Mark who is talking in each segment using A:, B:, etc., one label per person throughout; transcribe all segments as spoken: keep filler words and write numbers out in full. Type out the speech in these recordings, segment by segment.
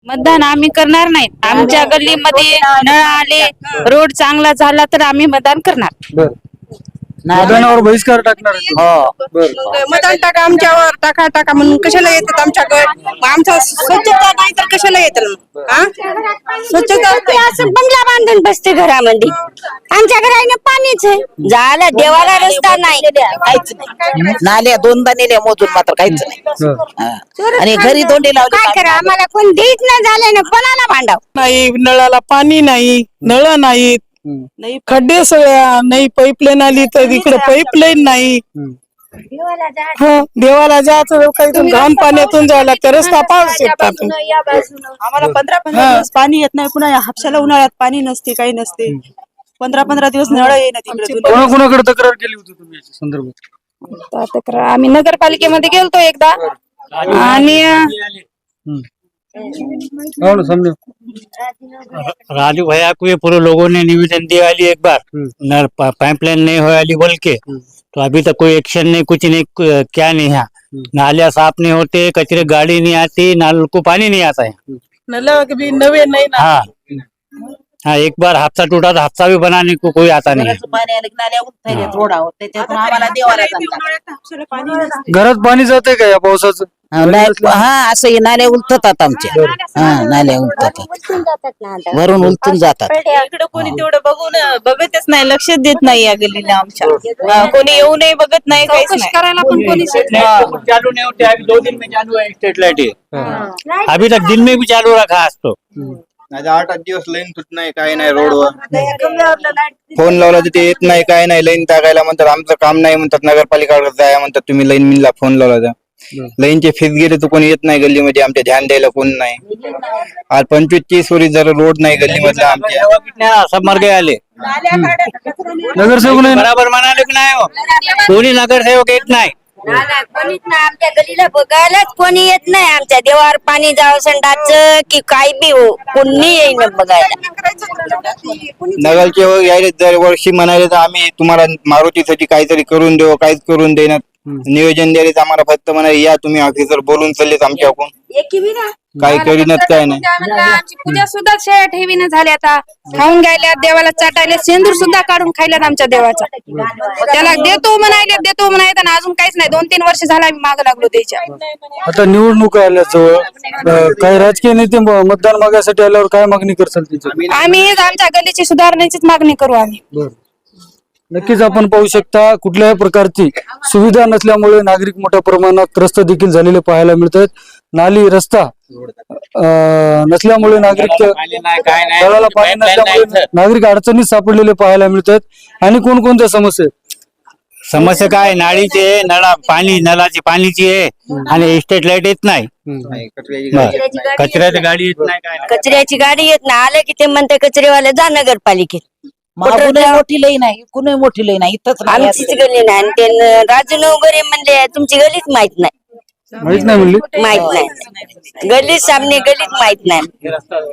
A: मतदान आम्ही करणार नाहीत. आमच्या गल्लीमध्ये नळ आले, रोड चांगला झाला तर आम्ही मतदान करणार.
B: बर मतदानावर बहिष्कार टाकणार आहे तुम्ही?
C: हो
B: बर
D: मतदान टाका आमच्यावर, टाका टाका म्हणून कशाला येतात आमच्याकडे? आमचा स्वच्छता नाही तर कशाला येतात? हा स्वच्छता
E: ते असं बंगला बांधून बसते घरामध्ये. आमच्या घराने पाणीच आहे, झालं देवाला रस्ता नाही.
C: काहीच नाही. नाल्या दोनदा नेल्या मोजून मात्र काहीच नाही.
B: बर.
C: हा. आणि घरी दोंडे लावले.
E: काय करा, आम्हाला कोण देत नाही झालं ना, कोणाला भांडाव?
D: नाही, नळाला पाणी नाही, नळ नाहीत,
B: हम्म.
D: खड्डे सगळ्या नाही. पाईपलाईन आली तर इकडे पाईपलाईन नाही.
B: हम्म.
D: हं, देवाला जायचं काही घाण पाण्यातून जायला तर रस्ता पाहू शकतात.
F: आम्हाला पंधरा पंधरा दिवस पाणी येत नाही. पुन्हा हापशाला उन्हाळ्यात पाणी नसते, काही नसते. पंधरा पंधरा दिवस नळ येणार तिकडे.
B: कोणाकोणाकडे तक्रार केली होती तुम्ही याच्या संदर्भात?
A: तक्रार आम्ही नगरपालिकेमध्ये गेलतो एकदा आणि
B: हम्म. हो ना, समझो.
G: राजू भैया को ये पूरे लोगों ने निवेदन दिया वाली एक बार
B: हम्म.
G: नल पाइपलाइन नहीं हो वाली बोल के, तो अभी तक कोई एक्शन नहीं, कुछ नहीं, कु- क्या नहीं है। नालियाँ साफ नहीं होते, कचरे गाड़ी नहीं आती, नाल को पानी नहीं आता है।
D: नळ बी नवे नाही ना.
G: हाँ हाँ, एक बार हादसा टूटा था, हादसा भी बनाने को कोई आता नहीं है।
C: पाणी आलं की नाल्या उठतायत रोडावर, त्याच्यातून आम्हाला देवाला जातात.
F: हापशाला पाणी नसते.
B: घरात पाणी जाते का या पावसाचं?
C: हा, नाही- हा असं हे नाल्या उलटतात आमच्या. हा नाल्या उलटतात,
E: उलटून जातात ना आता.
C: वरून उलटून जातात.
F: इकडे कोणी तेवढं बघून बघतच नाही, लक्ष देत नाही या गल्लीला आमच्या. हा, कोणी येऊ नाही, बघत नाही, काहीच
A: चौकशी
F: नाही.
A: करायला पण कोणी
G: चालू नहीं होते, अभी दो दिन में चालू है स्ट्रीट लाइट। अभी तक दिन में भी चालू रखा आज तो।
H: नाही आठ आठ दिवस लाईन तुट नाही, काही नाही रोडवर. फोन लावला तर ते येत नाही, काय नाही. लाईन टाकायला म्हणतात, आमचं काम नाही म्हणतात. नगरपालिकाकडे जाया म्हणतात, तुम्ही लाईन मिनला फोन लावला तर लाईनचे फीस गेले तर कोणी येत नाही गल्लीमध्ये. आमच्या ध्यान द्यायला कोण नाही. आज पंचवीस तीस वरी जर रोड नाही गल्लीमधला आमच्या.
G: कितने सब मर गए आले,
B: नगरसेवक नाही ना?
G: बराबर मना लेकिन आए हो, कोणी नगर सेवक येत नाही।
E: कोणीच नाही आमच्या गलीला बघायलाच कोणी येत नाही. आमच्या देवावर पाणी जावं संडाचं की काय बी हो, कोणी येईन बघायला.
H: नगरचे यायले दर वर्षी म्हणाले तर आम्ही तुम्हाला मारुतीसाठी काहीतरी करून देऊ, काहीच करून देणार. नियोजन द्यायला तर आम्हाला फक्त म्हणाले या तुम्ही ऑफिसर बोलून चाललेत आमच्याकडून, काही करीनच काय नाही.
A: आमची पूजा सुद्धा शेळ्या ठेवीने झाल्या, आता खाऊन गेल्या, देवाला चाटायला सेंदूर सुद्धा काढून खायल्यात आमच्या देवाचा. त्याला देतो म्हणायले, देतो म्हणायला ना, अजून काहीच नाही. दोन तीन वर्ष झाला आम्ही माग लागलो त्याच्या.
B: आता निवडणूक आल्या जवळ, अं, काही राजकीय नेते म- मतदान मागायसाठी आल्यावर काय मागणी करसाल त्याची?
A: आम्ही हेच आमच्या गल्लीची सुधारण्याचीच मागणी करू आम्ही.
B: नक्कीच आपण पाहू शकता, कुठल्याही प्रकारची सुविधा नसल्यामुळे नागरिक मोठ्या प्रमाणात त्रस्त देखील झालेले पाहायला मिळत आहेत. नाली रस्ता अं, नसल्यामुळे नागरिक तळाला पाणी नसल्यामुळे नागरिक अडचणीत सापडलेले पाहायला मिळत आहेत. आणि कोणकोणत्या समस्या आहेत?
G: समस्या काय, नाळीची आहे, नळा पाणी नळाची पाणीची आहे, आणि स्ट्रीट लाईट येत नाही, कचऱ्याची गाडी येत नाही, काय नाही.
E: कचऱ्याची गाडी येत ना, आलं की ते म्हणते कचरेवाले जा नगरपालिकेत.
C: मागूनही मोठी लई नाही, कुणी मोठी लई नाही, इथंच नाही.
E: आमचीच गली नाही. आणि ते न- राजू नवगरे म्हणले तुमची गलीच माहित नाही.
B: माहित नाही म्हणली?
E: माहित नाही, गली सामने गलीत माहित नाही.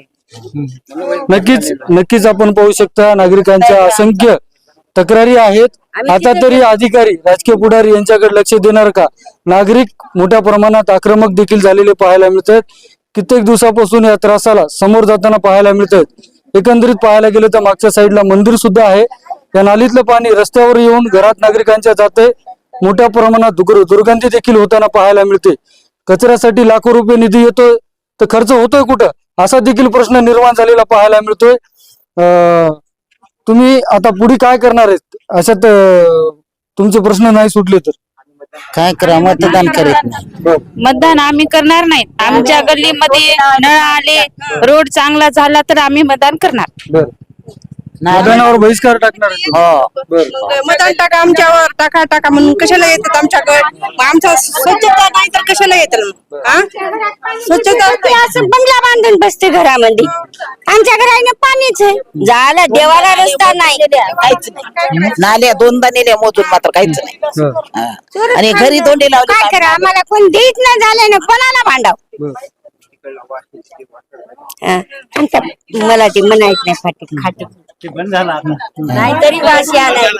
B: नक्कीच नक्कीच आपण पाहू शकता, नागरिकांच्या असंख्य तक्रारी आहेत. आता तरी अधिकारी, राजकीय पुढारी यांच्याकडे लक्ष देणार का? नागरिक मोठ्या प्रमाणात आक्रमक देखील झालेले पाहायला मिळत आहेत. कित्येक दिवसापासून या त्रासाला समोर जाताना पाहायला मिळत आहेत. एकंदरीत पाहायला गेलं तर मागच्या साईडला मंदिर सुद्धा आहे. या नालीतलं पाणी रस्त्यावर येऊन घरात नागरिकांच्या जाते. मोठ्या प्रमाणात दुर् दुर्गंधी देखील होताना पाहायला मिळते. कचऱ्यासाठी लाखो रुपये निधी येतोय तर खर्च होतोय कुठं, असा देखील प्रश्न निर्माण झालेला पाहायला मिळतोय. अं, तुम्ही आता पुढे काय करणार आहेत? अशात अं, तुमचे प्रश्न नाही सुटले तर
C: काय करा, मतदान करीत नाही.
A: मतदान आम्ही करणार नाहीत. आमच्या गल्लीमध्ये नळ आले, रोड चांगला झाला तर आम्ही मतदान करणार.
B: बर मतदानावर बहिष्कार टाकणार आहे तुम्ही?
C: हो
B: बर
D: मतदान टाका आमच्यावर, टाका टाका म्हणून कशाला येतात आमच्याकडे? आमचा स्वच्छता नाही तर कशाला येतात? हा स्वच्छता
E: ते असं बंगला बांधून बसते घरामध्ये. आमच्या घराने पाणीच आहे, झालं देवाला रस्ता नाही.
C: काहीच नाही. नाल्या दोनदा नेल्या मोजून मात्र काहीच नाही.
B: बर.
C: हा. आणि घरी दोंडे लावले.
E: काय करा, आम्हाला कोण देत नाही झालं ना, कोणाला भांडाव?
B: बर.
E: हा, आमच्या मला ते म्हणायच नाही फाटी खाटी.
G: ते बंद झाला आता.
E: नाहीतरी वाशी आलाय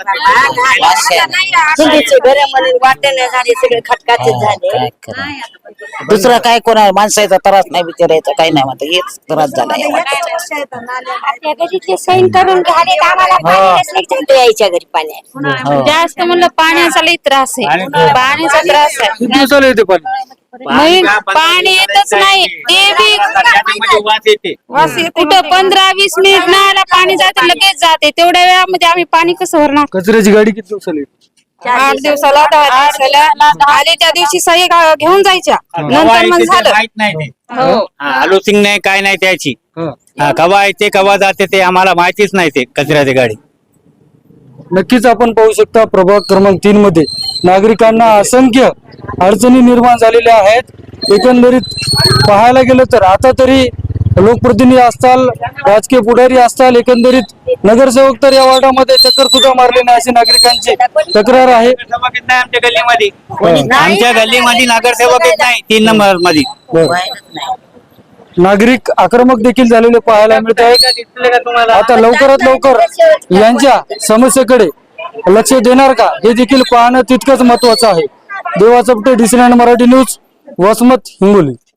E: घर म्हणून वाटणं झाले सगळे खटकाचे झाले.
C: काय करणार? दुसरं काय कोणा माणसाचा त्रास नाही विचारायचा काही नाही म्हणता हेच त्रास झाला या वाटेचा.
E: आपल्या घरीतले सैन करून घाले तर आम्हाला पाणी नसले की चालतं यायच्या घरी पाण्यात.
C: हो.
A: जास्त म्हणलं पाण्याचा लई त्रास आहे, पाण्याचा त्रास आहे.
B: किती दिवसाला येते पाणी?
A: नाही, पाणी येतच नाही. ते बी
G: वास येते.
A: वास येते. कुठं पंधरा वीस मिनिट नळाला पाणी जाते लगेच जाते. तेवढ्या वेळामध्ये आम्ही पाणी कसं भरणार?
B: कचऱ्याची गाडी किती दिवसाला येते?
A: आठ दिवसाला दहा दिवसाला आले त्या दिवशी सही घा- घेऊन जायच्या.
G: कवा
A: नंतर मग
G: येते ते
A: झालं.
G: माहित नाही ते.
A: हो.
G: हा, आलोसिंग नाही काय नाही त्याची.
B: हा.
G: हा, कवा येते कवा जाते ते आम्हाला माहितीच नाही ते कचऱ्याची गाडी.
B: नक्कीच आपण पाहू शकता प्रभाग क्रमांक तीन मध्ये नागरिकांना असंख्य अडचणी निर्माण झालेल्या आहेत. एकंदरीत पाहायला गेलं तर आता तरी लोकप्रतिनिधी असताल, राजकीय पुढारी असताल, एकंदरीत नगरसेवक तर या वार्डामध्ये चक्कर सुद्धा मारले नाही अशी नागरिकांची तक्रार आहे.
G: नगरसेवक येत नाही आमच्या गल्लीमध्ये. आमच्या गल्लीमध्ये नगरसेवक येत नाही तीन नंबर मध्ये.
B: नागरिक आक्रमक देखील झालेले पाहायला मिळत आहेत. आता लवकरात लवकर यांच्या समस्येकडे लक्ष देणार का हे देखील पाहणं तितकंच महत्वाचं आहे. Deva Chapte, D C nine Marathi news, Vasmat, Hingoli.